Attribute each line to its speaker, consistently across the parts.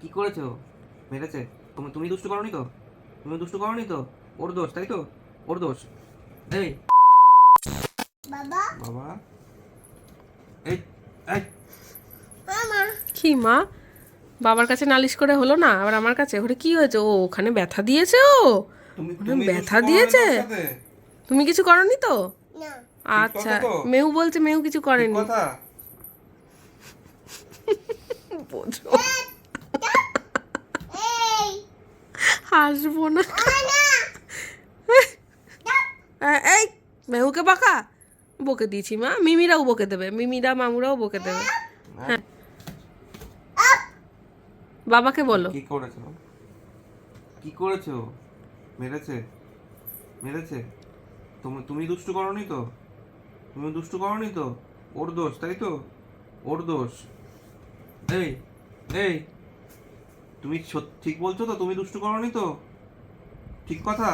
Speaker 1: কি করেছো? মেরেছে? তুমি তুমি দুষ্টু করনি তো? তুমি দুষ্টু করনি তো? ওর দোষ, তাই তো? ওর দোষ। এই
Speaker 2: বাবা
Speaker 1: বাবা, এই এই
Speaker 2: মামা
Speaker 3: কি মা, বাবার কাছে নালিশ করে হলো না, আবার আমার কাছে? ওরে কি হয়েছে? ও ওখানে ব্যথা দিয়েছে, ও
Speaker 1: তুমি
Speaker 3: ওখানে
Speaker 1: তুমি দুষ্টু
Speaker 3: ব্যথা
Speaker 1: করনি
Speaker 3: দিয়েছে।
Speaker 1: তোর সাথে?
Speaker 3: তুমি কিছু করনি তো?
Speaker 2: না
Speaker 1: ঠিক
Speaker 3: আচ্ছা,
Speaker 1: কথা তো?
Speaker 3: মেউ বলছে মেউ কিছু
Speaker 1: ঠিক
Speaker 3: করেনি।
Speaker 1: কথা?
Speaker 3: বোঝো,
Speaker 2: এই
Speaker 3: হাসবো না। এই মেহুকে বকা বকে দিয়েছি মা, মিমিরাও বকে দেবে, মিমিরা মামুরাও বকে দেবে।
Speaker 1: হ্যাঁ?
Speaker 3: বাবাকে বলো।
Speaker 1: কি করেছো? কি করেছো? মেরেছে? মেরেছে? তুমি তুমি দুষ্টু করনি তো? তুমি দুষ্টু করনি তো? ওর দোষ, তাই তো? ওর দোষ। এই এই তুমি ঠিক বলছো তো? তুমি দুষ্টু করনি তো? ঠিক কথা?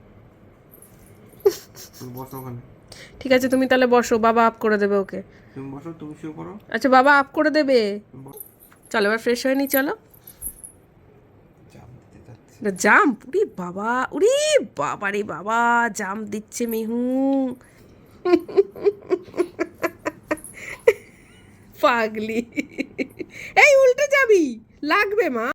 Speaker 1: তুমি বসো ওখানে।
Speaker 3: ঠিক আছে, তুমি তাহলে বসো, বাবা আপ করে দেবে ওকে।
Speaker 1: তুমি বসো, তুমি শুয়ে পড়ো।
Speaker 3: আচ্ছা, বাবা আপ করে দেবে।
Speaker 1: তুমি
Speaker 3: চলো এবার ফ্রেশ হয়ে নি, চলো।
Speaker 1: জাম দিতে যাচ্ছি।
Speaker 3: জাম্প, উরি বাবা, উরি বাবা রে বাবা, জাম্প দিচ্ছে মিহু। পাগলি, এই উল্টে যাবি, লাগবে মা।